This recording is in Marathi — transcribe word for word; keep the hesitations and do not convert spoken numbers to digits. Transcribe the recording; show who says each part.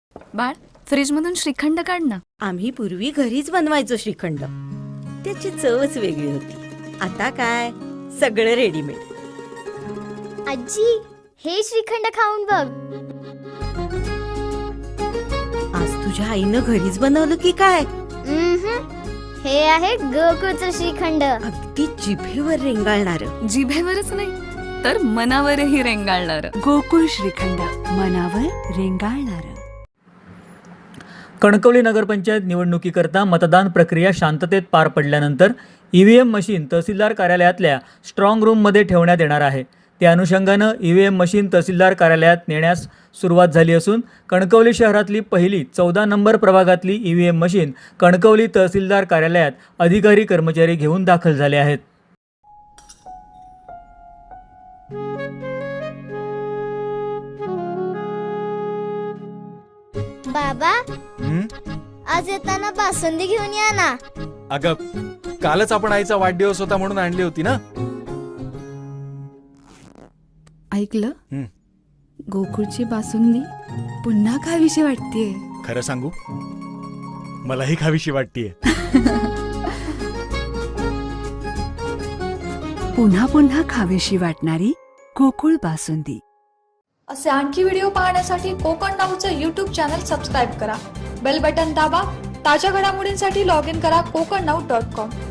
Speaker 1: बाळ, फ्रीज मधून श्रीखंड काढ ना.
Speaker 2: आम्ही पूर्वी घरीच बनवायचो श्रीखंड. त्याची चवच वेगळी होती. आता काय सगळं रेडीमेड.
Speaker 3: आजी, हे श्रीखंड खाऊन बघ.
Speaker 2: आज तुझ्या आईनं घरीच बनवलं की काय?
Speaker 3: उम्हम. हे आहे गोकुळचं श्रीखंड.
Speaker 2: अगदी जिभेवर रेंगाळणार.
Speaker 1: जिभेवरच नाही तर मनावरही रेंगाळणार.
Speaker 4: गोकुळ श्रीखंड, मनावर रेंगाळणार.
Speaker 5: कणकवली नगरपंचायत निवडणुकीकरता मतदान प्रक्रिया शांततेत पार पडल्यानंतर ईव्हीएम मशीन तहसीलदार कार्यालयातल्या स्ट्रॉंग रूममध्ये ठेवण्यात येणार आहे. त्या अनुषंगानं ईव्हीएम मशीन तहसीलदार कार्यालयात नेण्यास सुरुवात झाली असून कणकवली शहरातली पहिली चौदा नंबर प्रभागातली ईव्हीएम मशीन कणकवली तहसीलदार कार्यालयात अधिकारी कर्मचारी घेऊन दाखल झाले आहेत.
Speaker 3: बाबा,
Speaker 6: हं?
Speaker 3: आज येताना बासुंदी घेऊन या ना.
Speaker 6: अगं, कालच आपण आईचा वाढदिवस होता म्हणून आणली होती ना.
Speaker 4: ऐकलं?
Speaker 6: हं.
Speaker 4: गोकुळची बासुंदी पुन्हा खावीशी वाटतेय.
Speaker 6: खरं सांगू, मलाही खावीशी वाटतीये.
Speaker 4: पुन्हा पुन्हा खावीशी वाटणारी गोकुळ बासुंदी.
Speaker 7: असे आणखी व्हिडिओ पाहण्यासाठी कोकण नाऊचं यूट्यूब चॅनल सबस्क्राईब करा. बेल बटन दाबा. ताज्या घडामोडींसाठी लॉग इन करा कोकण नाऊ डॉट कॉम.